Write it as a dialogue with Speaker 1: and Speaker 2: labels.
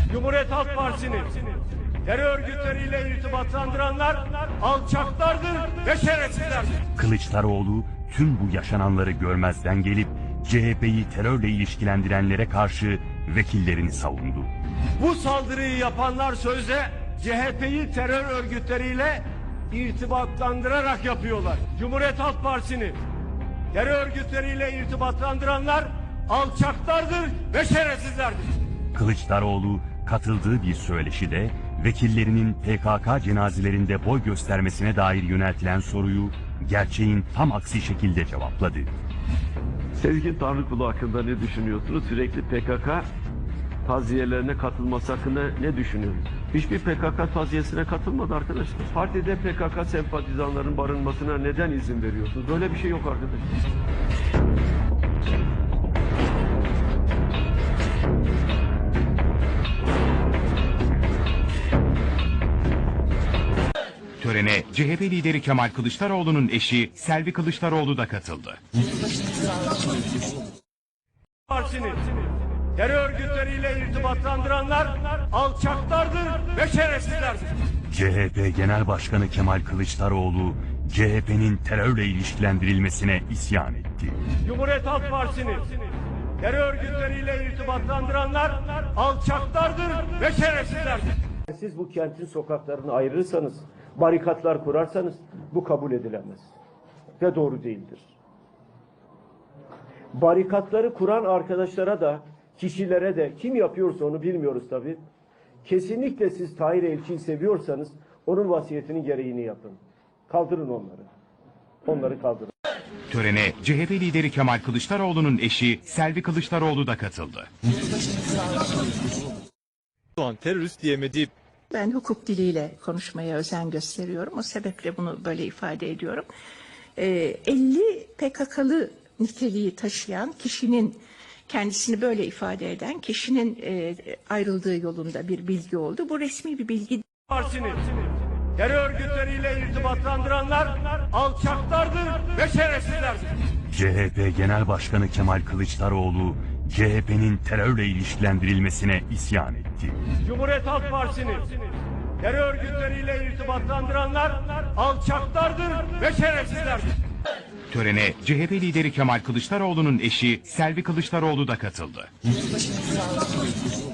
Speaker 1: Cumhuriyet Halk Partisi'ni terör örgütleriyle irtibatlandıranlar alçaklardır ve şerefsizlerdir.
Speaker 2: Kılıçdaroğlu tüm bu yaşananları görmezden gelip CHP'yi terörle ilişkilendirenlere karşı vekillerini savundu.
Speaker 1: Bu saldırıyı yapanlar sözde CHP'yi terör örgütleriyle irtibatlandırarak yapıyorlar. Cumhuriyet Halk Partisi'ni terör örgütleriyle irtibatlandıranlar alçaklardır ve şerefsizlerdir.
Speaker 2: Kılıçdaroğlu katıldığı bir söyleşide vekillerinin PKK cenazelerinde boy göstermesine dair yöneltilen soruyu gerçeğin tam aksi şekilde cevapladı.
Speaker 3: Sezgin Tanrıkulu hakkında ne düşünüyorsunuz? Sürekli PKK taziyelerine katılması hakkında ne düşünüyorsunuz? Hiçbir PKK taziyesine katılmadı arkadaşlar. Partide PKK sempatizanların barınmasına neden izin veriyorsunuz? Böyle bir şey yok arkadaşlar.
Speaker 4: Törene CHP lideri Kemal Kılıçdaroğlu'nun eşi Selvi Kılıçdaroğlu da katıldı.
Speaker 1: Partisi'ni terör örgütleriyle irtibatlandıranlar alçaklardır ve şerefsizlerdir.
Speaker 2: CHP Genel Başkanı Kemal Kılıçdaroğlu, CHP'nin terörle ilişkilendirilmesine isyan etti.
Speaker 1: Cumhuriyet Halk Partisi'ni terör örgütleriyle irtibatlandıranlar alçaklardır ve şerefsizlerdir.
Speaker 5: Siz bu kentin sokaklarını ayırırsanız, barikatlar kurarsanız bu kabul edilemez ve doğru değildir. Barikatları kuran arkadaşlara da, kişilere de, kim yapıyorsa onu bilmiyoruz tabii. Kesinlikle siz Tahir Elçi'yi seviyorsanız onun vasiyetinin gereğini yapın. Kaldırın onları. Onları kaldırın.
Speaker 4: Törene CHP lideri Kemal Kılıçdaroğlu'nun eşi Selvi Kılıçdaroğlu da katıldı.
Speaker 6: Doğan terörist diyemediği.
Speaker 7: Ben hukuk diliyle konuşmaya özen gösteriyorum. O sebeple bunu böyle ifade ediyorum. 50 PKK'lı niteliği taşıyan kişinin, kendisini böyle ifade eden kişinin ayrıldığı yolunda bir bilgi oldu. Bu resmi bir bilgi.
Speaker 1: Partisi'ni terör örgütleriyle irtibatlandıranlar alçaklardır ve şerefsizlerdir.
Speaker 2: CHP Genel Başkanı Kemal Kılıçdaroğlu, CHP'nin terörle ilişkilendirilmesine isyan etti.
Speaker 1: Cumhuriyet Halk Partisi'ni terör örgütleriyle irtibatlandıranlar alçaklardır ve şerefsizlerdir.
Speaker 4: Törene CHP lideri Kemal Kılıçdaroğlu'nun eşi Selvi Kılıçdaroğlu da katıldı.